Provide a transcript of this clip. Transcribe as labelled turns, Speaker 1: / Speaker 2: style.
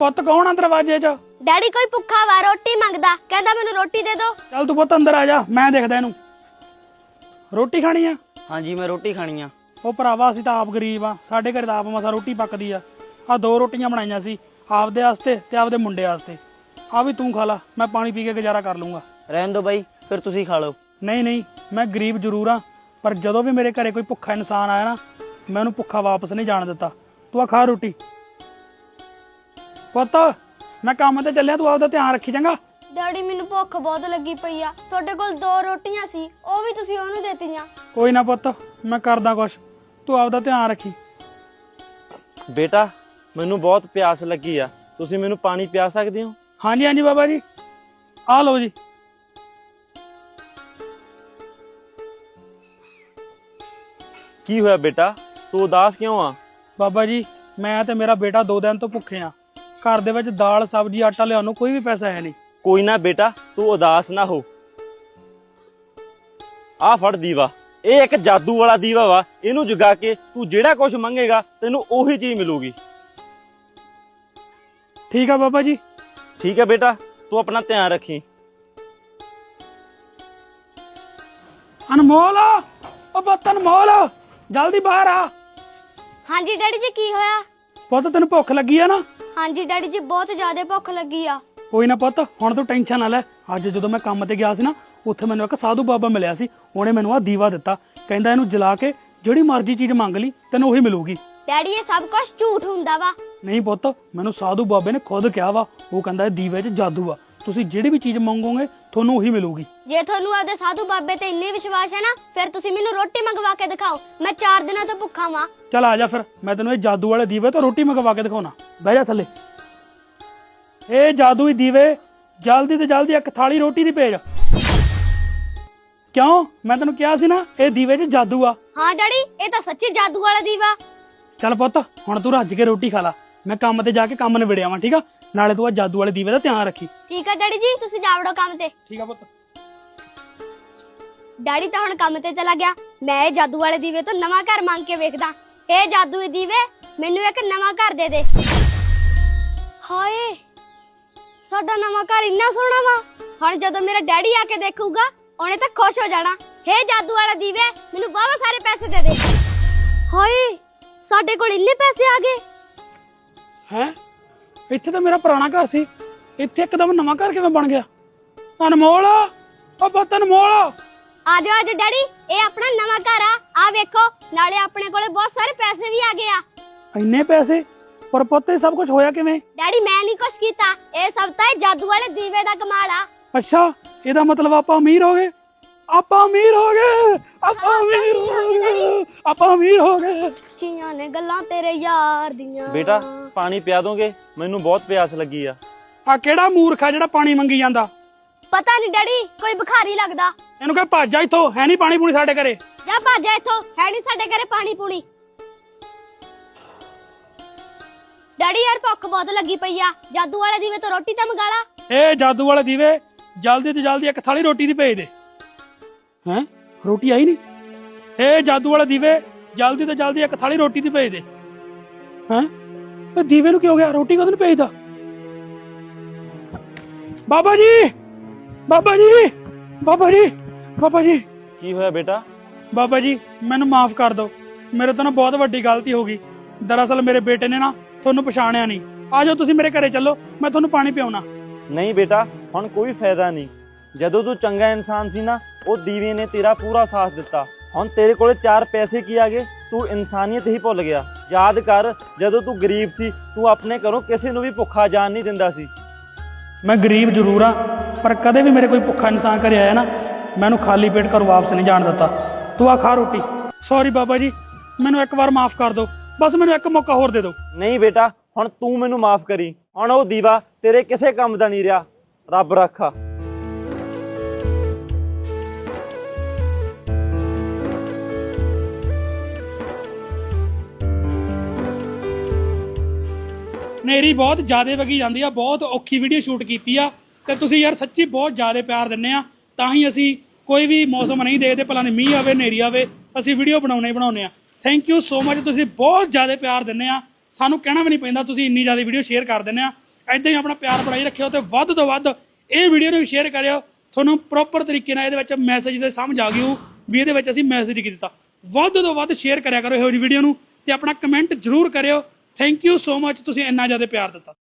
Speaker 1: ਪੁੱਤ ਕੌਣ ਆ ਦਰਵਾਜ਼ੇ 'ਚ?
Speaker 2: ਡੈਡੀ ਕੋਈ ਭੁੱਖਾ ਵਾ, ਰੋਟੀ ਮੰਗਦਾ, ਕਹਿੰਦਾ ਮੈਨੂੰ ਰੋਟੀ ਦੇ ਦਿਓ।
Speaker 1: ਚੱਲ ਤੂੰ ਪੁੱਤ ਅੰਦਰ ਆ ਜਾ, ਮੈਂ ਦੇਖਦਾ ਇਹਨੂੰ। ਰੋਟੀ ਖਾਣੀ ਆ?
Speaker 3: ਹਾਂਜੀ ਮੈਂ ਰੋਟੀ ਖਾਣੀ ਆ।
Speaker 1: ਉਹ ਭਰਾਵਾ ਅਸੀਂ ਤਾਂ ਆਪ ਗਰੀਬ ਆ, ਸਾਡੇ ਘਰੇ ਤਾਂ ਆਪ ਮਸਾ ਰੋਟੀ ਪੱਕਦੀ ਆ। ਆਹ 2 ਰੋਟੀਆਂ ਬਣਾਈਆਂ ਸੀ ਆਪਦੇ ਵਾਸਤੇ ਤੇ ਆਪਦੇ ਮੁੰਡੇ ਵਾਸਤੇ। ਆ ਵੀ ਤੂੰ ਖਾ ਲਾ, ਮੈਂ ਪਾਣੀ ਪੀ ਕੇ ਗੁਜ਼ਾਰਾ ਕਰ ਲੂੰਗਾ।
Speaker 3: ਰਹਿਣ ਦੋ ਬਾਈ, ਫਿਰ ਤੁਸੀਂ ਖਾ ਲਓ।
Speaker 1: ਨਹੀਂ ਨਹੀਂ, ਮੈਂ ਗਰੀਬ ਜ਼ਰੂਰ ਆ, ਪਰ ਜਦੋਂ ਵੀ ਮੇਰੇ ਘਰੇ ਕੋਈ ਭੁੱਖਾ ਇਨਸਾਨ ਆਇਆ ਨਾ, ਮੈਂ ਉਹਨੂੰ ਭੁੱਖਾ ਵਾਪਸ ਨਹੀਂ ਜਾਣ ਦਿੱਤਾ। ਤੂੰ ਆ ਖਾ ਰੋਟੀ। ਪੁੱਤ ਮੈਂ ਕੰਮ ਤੇ ਚੱਲਿਆ, ਤੂੰ ਆਪਦਾ ਧਿਆਨ ਰੱਖੀ ਚੰਗਾ।
Speaker 2: ਡੈਡੀ ਮੈਨੂੰ ਭੁੱਖ ਬਹੁਤ ਲੱਗੀ ਪਈ ਆ, ਤੁਹਾਡੇ ਕੋਲ 2 ਰੋਟੀਆਂ ਸੀ, ਉਹ ਵੀ ਤੁਸੀਂ ਉਹਨੂੰ ਦੇਤੀਆਂ।
Speaker 1: ਕੋਈ ਨਾ ਪੁੱਤ, ਮੈਂ ਕਰਦਾ ਕੁਛ, ਤੂੰ ਆਪਦਾ ਧਿਆਨ ਰੱਖੀ।
Speaker 4: ਬੇਟਾ ਮੈਨੂੰ ਬਹੁਤ ਪਿਆਸ ਲੱਗੀ ਆ, ਤੁਸੀਂ ਮੈਨੂੰ ਪਾਣੀ ਪਿਆ ਸਕਦੇ ਹੋ?
Speaker 1: ਹਾਂਜੀ ਹਾਂਜੀ ਬਾਬਾ ਜੀ, ਆ ਲਓ ਜੀ।
Speaker 4: ਕੀ ਹੋਇਆ ਬੇਟਾ, ਤੂੰ ਉਦਾਸ ਕਿਉਂ ਆ?
Speaker 1: ਬਾਬਾ ਜੀ ਮੈਂ ਤੇ ਮੇਰਾ ਬੇਟਾ 2 ਦਿਨ ਤੋਂ ਭੁੱਖੇ ਆ। ਘਰ ਦੇ ਵਿੱਚ ਦਾਲ ਸਬਜ਼ੀ ਆਟਾ ਲਿਆਉਣ ਨੂੰ ਕੋਈ ਵੀ ਪੈਸਾ ਹੈ ਨਹੀਂ।
Speaker 4: ਕੋਈ ਨਾ ਬੇਟਾ, ਤੂੰ ਉਦਾਸ ਨਾ ਹੋ। ਆ ਫੜ ਦੀਵਾ, ਇਹ ਇੱਕ ਜਾਦੂ ਵਾਲਾ ਦੀਵਾ ਵਾ। ਇਹਨੂੰ ਜਗਾ ਕੇ ਤੂੰ ਜਿਹੜਾ ਕੁਝ ਮੰਗੇਗਾ ਤੈਨੂੰ ਉਹੀ ਚੀਜ਼ ਮਿਲੂਗੀ।
Speaker 1: ਠੀਕ ਆ ਬਾਬਾ ਜੀ।
Speaker 4: ਠੀਕ ਹੈ ਬੇਟਾ, ਤੂੰ ਆਪਣਾ ਧਿਆਨ ਰੱਖੀ।
Speaker 1: ਅਨਮੋਲ, ਉਹ ਪੁੱਤ ਅਨਮੋਲ, ਜਲਦੀ ਬਾਹਰ ਆ।
Speaker 2: ਹਾਂਜੀ ਡੈਡੀ ਜੀ, ਕੀ ਹੋਇਆ?
Speaker 1: ਪੁੱਤ ਤੈਨੂੰ ਭੁੱਖ ਲੱਗੀ ਆ ਨਾ?
Speaker 2: ਹਾਂਜੀ ਡੈਡੀ ਜੀ, ਬਹੁਤ ਜ਼ਿਆਦਾ ਭੁੱਖ ਲੱਗੀ ਆ।
Speaker 1: ਕੋਈ ਨਾ ਪੁੱਤ, ਹੁਣ ਤੂੰ ਟੈਨਸ਼ਨ ਨਾ ਲੈ। ਅੱਜ ਜਦੋਂ ਮੈਂ ਕੰਮ ਤੇ ਗਿਆ ਸੀ ਨਾ, ਉੱਥੇ ਮੈਨੂੰ ਇੱਕ ਸਾਧੂ ਬਾਬਾ ਮਿਲਿਆ ਸੀ। ਉਹਨੇ ਮੈਨੂੰ ਆ ਦੀਵਾ ਦਿੱਤਾ, ਕਹਿੰਦਾ ਇਹਨੂੰ ਜਲਾ ਕੇ ਜਿਹੜੀ ਮਰਜ਼ੀ ਚੀਜ਼ ਮੰਗ ਲਈ ਤੈਨੂੰ ਉਹੀ ਮਿਲੂਗੀ।
Speaker 2: ਡੈਡੀ ਇਹ ਸਭ ਕੁਝ ਝੂਠ ਹੁੰਦਾ ਵਾ।
Speaker 1: ਨਹੀਂ ਪੁੱਤ, ਮੈਨੂੰ ਸਾਧੂ ਬਾਬੇ ਨੇ ਖੁਦ ਕਿਹਾ ਵਾ। ਉਹ ਕਹਿੰਦਾ ਇਹ ਦੀਵੇ 'ਚ ਜਾਦੂ ਆ, ਤੁਸੀਂ ਜਿਹੜੀ ਵੀ ਚੀਜ਼ ਮੰਗੋਗੇ ਤੁਹਾਨੂੰ ਉਹੀ ਮਿਲੂਗੀ।
Speaker 2: ਜੇ ਤੁਹਾਨੂੰ ਆਪਦੇ ਸਾਧੂ ਬਾਬੇ ਤੇ ਇੰਨੇ ਵਿਸ਼ਵਾਸ ਹੈ ਨਾ, ਫਿਰ ਤੁਸੀਂ ਮੈਨੂੰ ਰੋਟੀ ਮੰਗਵਾ ਕੇ ਦਿਖਾਓ। ਮੈਂ 4 ਦਿਨਾਂ ਤੋਂ ਭੁੱਖਾ ਵਾਂ।
Speaker 1: ਚੱਲ ਆ ਜਾ ਫਿਰ, ਮੈਂ ਤੈਨੂੰ ਇਹ ਜਾਦੂ ਵਾਲੇ ਦੀਵੇ ਤੋਂ ਰੋਟੀ ਮੰਗਵਾ ਕੇ ਦਿਖਾਉਣਾ। ਬਹਿ ਜਾ ਥੱਲੇ। ਇਹ ਜਾਦੂਈ ਦੀਵੇ ਜਲਦੀ ਤੇ ਜਲਦੀ ਇੱਕ ਥਾਲੀ ਰੋਟੀ ਦੀ ਭੇਜ। ਕਿਉਂ? ਮੈਂ ਤੈਨੂੰ ਕਿਹਾ ਸੀ ਨਾ ਇਹ ਦੀਵੇ 'ਚ ਜਾਦੂ ਆ।
Speaker 2: ਹਾਂ ਡੈਡੀ, ਇਹ ਤਾਂ ਸੱਚੀ ਜਾਦੂ ਵਾਲਾ ਦੀਵਾ।
Speaker 1: ਚੱਲ ਪੁੱਤ, ਹੁਣ ਤੂੰ ਰੱਜ ਕੇ ਰੋਟੀ ਖਾ ਲਾ, ਮੈਂ ਕੰਮ ਤੇ ਜਾ ਕੇ ਕੰਮ ਨਿਬੜਿਆ ਵਾਂ। ਠੀਕ ਆ, ਨਾਲੇ ਤੂੰ ਆ ਜਾਦੂ ਵਾਲੇ ਦੀਵੇ ਦਾ ਧਿਆਨ ਰੱਖੀ।
Speaker 2: ਠੀਕ ਆ ਡੈਡੀ ਜੀ, ਤੁਸੀਂ ਜਾਵੜੋ ਕੰਮ ਤੇ।
Speaker 1: ਠੀਕ ਆ ਪੁੱਤ।
Speaker 2: ਡੈਡੀ ਤਾਂ ਹੁਣ ਕੰਮ ਤੇ ਚਲਾ ਗਿਆ। ਮੈਂ ਇਹ ਜਾਦੂ ਵਾਲੇ ਦੀਵੇ ਤੋਂ ਨਵਾਂ ਘਰ ਮੰਗ ਕੇ ਵੇਖਦਾ। ਇਹ ਜਾਦੂਈ ਦੀਵੇ, ਮੈਨੂੰ ਇੱਕ ਨਵਾਂ ਘਰ ਦੇ ਦੇ। ਹਾਏ, ਸਾਡਾ ਨਵਾਂ ਘਰ ਇੰਨਾ ਸੋਹਣਾ ਵਾ। ਹੁਣ ਜਦੋਂ ਮੇਰਾ ਡੈਡੀ ਆ ਕੇ ਦੇਖੂਗਾ, ਉਹਨੇ ਤਾਂ ਖੁਸ਼ ਹੋ ਜਾਣਾ। ਹੇ ਜਾਦੂ ਵਾਲਾ ਦੀਵੇ, ਮੈਨੂੰ ਬਹੁਤ ਸਾਰੇ ਪੈਸੇ ਦੇ ਦੇ। ਹਾਏ, ਸਾਡੇ ਕੋਲ ਇੰਨੇ ਪੈਸੇ ਆ ਗਏ।
Speaker 1: ਹੈਂ, ਇੱਥੇ ਤਾਂ ਮੇਰਾ ਪੁਰਾਣਾ ਘਰ ਸੀ, ਇੱਥੇ ਇੱਕਦਮ ਨਵਾਂ ਘਰ ਕਿਵੇਂ ਬਣ ਗਿਆ? ਅਨਮੋਲ, ਉਹ ਪੁੱਤ ਅਨਮੋਲ।
Speaker 2: ਆ ਜਾਓ ਡੈਡੀ, ਇਹ ਆਪਣਾ ਨਵਾਂ ਘਰ ਆ ਵੇਖੋ। ਨਾਲੇ ਆਪਣੇ ਕੋਲੇ ਬਹੁਤ ਸਾਰੇ ਪੈਸੇ ਵੀ ਆ ਗਏ ਆ।
Speaker 1: ਇੰਨੇ ਪੈਸੇ? ਪਰ ਪੁੱਤ ਇਹ ਸਭ ਕੁਝ ਹੋਇਆ ਕਿਵੇਂ?
Speaker 2: ਡੈਡੀ ਮੈਂ ਨਹੀਂ ਕੁਛ ਕੀਤਾ, ਇਹ ਸਭ ਤਾਂ ਇਹ ਜਾਦੂ ਵਾਲੇ ਦੀਵੇ ਦਾ ਕਮਾਲ ਆ।
Speaker 1: ਅੱਛਾ, ਇਹਦਾ ਮਤਲਬ ਆਪਾਂ ਅਮੀਰ ਹੋ ਗਏ। ਆਪਾਂ ਅਮੀਰ ਹੋ ਗਏ, ਆਪਾਂ ਅਮੀਰ ਹੋ ਗਏ, ਆਪਾਂ ਅਮੀਰ ਹੋ ਗਏ।
Speaker 2: ਚੀਆਂ ਨੇ ਗੱਲਾਂ ਤੇਰੇ ਯਾਰ ਦੀਆਂ।
Speaker 4: ਬੇਟਾ ਪਾਣੀ ਪਿਆ ਦੋਗੇ? ਮੈਨੂੰ ਬਹੁਤ ਪਿਆਸ ਲੱਗੀ ਆ।
Speaker 1: ਆ ਕਿਹੜਾ ਮੂਰਖ ਆ ਜਿਹੜਾ ਪਾਣੀ ਮੰਗੀ ਜਾਂਦਾ?
Speaker 2: ਪਤਾ ਨਹੀਂ ਡੈਡੀ, ਕੋਈ ਭਿਖਾਰੀ ਲੱਗਦਾ।
Speaker 1: ਇਹਨੂੰ ਕਹੇ ਭੱਜ ਜਾ ਇੱਥੋਂ, ਹੈ ਨਹੀਂ ਪਾਣੀ ਪੂਣੀ ਸਾਡੇ ਘਰੇ।
Speaker 2: ਜਾ ਭੱਜ ਜਾ ਇੱਥੋਂ, ਹੈ ਨਹੀਂ ਸਾਡੇ ਘਰੇ ਪਾਣੀ ਪੂਣੀ। ਡੈਡੀ ਯਾਰ ਭੁੱਖ ਬਹੁਤ ਲੱਗੀ ਪਈ ਆ, ਜਾਦੂ ਵਾਲੇ ਦੀਵੇ ਤੋਂ ਰੋਟੀ ਤਾਂ ਮੰਗਾ ਲਾ।
Speaker 1: ਇਹ ਜਾਦੂ ਵਾਲੇ ਦੀਵੇ ਜਲਦੀ ਤੋਂ ਜਲਦੀ ਇੱਕ ਥਾਲੀ ਰੋਟੀ ਦੀ ਭੇਜ ਦੇ। ਹੈਂ, ਰੋਟੀ ਆਈ ਨਹੀਂ? ਇਹ ਜਾਦੂ ਵਾਲੇ ਦੀਵੇ ਜਲਦੀ ਤੋਂ ਜਲਦੀ ਇੱਕ ਥਾਲੀ ਰੋਟੀ ਦੀ ਭੇਜ ਦੇ। ਹੈਂ, ਇਹ ਦੀਵੇ ਨੂੰ ਕੀ ਹੋ ਗਿਆ? ਰੋਟੀ ਕਦੋਂ ਭੇਜਦਾ? ਬਾਬਾ ਜੀ, ਬਾਬਾ ਜੀ, ਬਾਬਾ ਜੀ, ਬਾਬਾ ਜੀ।
Speaker 4: ਕੀ ਹੋਇਆ ਬੇਟਾ?
Speaker 1: ਬਾਬਾ ਜੀ ਮੈਨੂੰ ਮਾਫ ਕਰ ਦਿਓ, ਮੇਰੇ ਤੋਂ ਨਾ ਬਹੁਤ ਵੱਡੀ ਗਲਤੀ ਹੋ ਗਈ। ਦਰਅਸਲ ਮੇਰੇ ਬੇਟੇ ਨੇ ਨਾ ਤੁਹਾਨੂੰ ਪਛਾਣਿਆ ਨਹੀਂ। ਆ ਜਾਓ ਤੁਸੀਂ ਮੇਰੇ ਘਰੇ ਚੱਲੋ, ਮੈਂ ਤੁਹਾਨੂੰ ਪਾਣੀ ਪਿਆਉਣਾ।
Speaker 4: ਨਹੀਂ ਬੇਟਾ, ਹੁਣ ਕੋਈ ਫਾਇਦਾ ਨਹੀਂ। ਜਦੋਂ ਤੂੰ ਚੰਗਾ ਇਨਸਾਨ ਸੀ ਨਾ, ਉਹ ਦੀਵੇ ਨੇ ਤੇਰਾ ਪੂਰਾ ਸਾਥ ਦਿੱਤਾ। ਹੁਣ ਤੇਰੇ ਕੋਲੇ 4 ਪੈਸੇ ਕੀ ਆ ਗਏ? ਤੂੰ ਇਨਸਾਨੀਅਤ ਹੀ ਭੁੱਲ ਗਿਆ। ਯਾਦ ਕਰ, ਜਦੋਂ ਤੂੰ ਗਰੀਬ ਸੀ, ਤੂੰ ਆਪਣੇ ਘਰੋਂ ਕਿਸੇ ਨੂੰ ਵੀ ਭੁੱਖਾ ਜਾਣ ਨਹੀਂ ਦਿੰਦਾ ਸੀ।
Speaker 1: ਮੈਂ ਗਰੀਬ ਜ਼ਰੂਰ ਆ, ਪਰ ਕਦੇ ਵੀ ਮੇਰੇ ਕੋਈ ਭੁੱਖਾ ਇਨਸਾਨ ਘਰੇ ਆਇਆ ਨਾ, ਮੈਂ ਉਹਨੂੰ ਖਾਲੀ ਪੇਟ ਘਰੋਂ ਵਾਪਸ ਨਹੀਂ ਜਾਣ ਦਿੱਤਾ। ਤੂੰ ਆ ਖਾ ਰੋਟੀ। ਸੌਰੀ ਬਾਬਾ ਜੀ, ਮੈਨੂੰ ਇੱਕ ਵਾਰ ਮਾਫ ਕਰ ਦਿਓ, ਬਸ ਮੈਨੂੰ ਇੱਕ ਮੌਕਾ ਹੋਰ ਦੇ ਦਿਓ।
Speaker 4: ਨਹੀਂ ਬੇਟਾ, ਹੁਣ ਤੂੰ ਮੈਨੂੰ ਮਾਫ ਕਰੀ। ਹੁਣ ਉਹ ਦੀਵਾ ਤੇਰੇ ਕਿਸੇ ਕੰਮ ਦਾ ਨਹੀਂ ਰਿਹਾ। ਰੱਬ ਰੱਖਾ।
Speaker 1: ਨੇਰੀ ਬਹੁਤ ਜ਼ਿਆਦਾ ਵਗੀ ਜਾਂਦੀ ਆ, ਬਹੁਤ ਔਖੀ ਵੀਡੀਓ ਸ਼ੂਟ ਕੀਤੀ ਆ, ਤੇ ਤੁਸੀਂ ਯਾਰ ਸੱਚੀ ਬਹੁਤ ਜ਼ਿਆਦਾ ਪਿਆਰ ਦਿੰਦੇ ਆ, ਤਾਂ ਹੀ ਅਸੀਂ ਕੋਈ ਵੀ ਮੌਸਮ ਨਹੀਂ ਦੇਖਦੇ ਭਲਾ ਦੀ ਮੀਂਹ ਆਵੇ ਨੇਰੀ ਆਵੇ, ਅਸੀਂ ਵੀਡੀਓ ਬਣਾਉਣੇ ਆ। ਥੈਂਕ ਯੂ ਸੋ ਮਚ, ਤੁਸੀਂ ਬਹੁਤ ਜ਼ਿਆਦਾ ਪਿਆਰ ਦਿੰਦੇ ਆ, ਸਾਨੂੰ ਕਹਿਣਾ ਵੀ ਨਹੀਂ ਪੈਂਦਾ, ਤੁਸੀਂ ਇੰਨੀ ਜ਼ਿਆਦਾ ਵੀਡੀਓ ਸ਼ੇਅਰ ਕਰ ਦਿੰਦੇ ਆ। ਐਦਾਂ ਹੀ ਆਪਣਾ ਪਿਆਰ ਬਣਾਈ ਰੱਖਿਓ ਤੇ ਵੱਧ ਤੋਂ ਵੱਧ ਇਹ ਵੀਡੀਓ ਨੂੰ ਵੀ ਸ਼ੇਅਰ ਕਰਿਓ। ਤੁਹਾਨੂੰ ਪ੍ਰੋਪਰ ਤਰੀਕੇ ਨਾਲ ਇਹਦੇ ਵਿੱਚ ਮੈਸੇਜ ਦੇ ਸਮਝ ਆ ਗਈ ਵੀ ਇਹਦੇ ਵਿੱਚ ਅਸੀਂ ਮੈਸੇਜ ਕੀ ਦਿੱਤਾ। ਵੱਧ ਤੋਂ ਵੱਧ ਸ਼ੇਅਰ ਕਰਿਆ ਕਰੋ ਇਹੋ ਜਿਹੀ ਵੀਡੀਓ ਨੂੰ ਤੇ ਆਪਣਾ ਕਮੈਂਟ ਜ਼ਰੂਰ ਕਰਿਓ। ਥੈਂਕ ਯੂ ਸੋ ਮਚ, ਤੁਸੀਂ ਇੰਨਾ ਜ਼ਿਆਦਾ ਪਿਆਰ ਦਿੱਤਾ।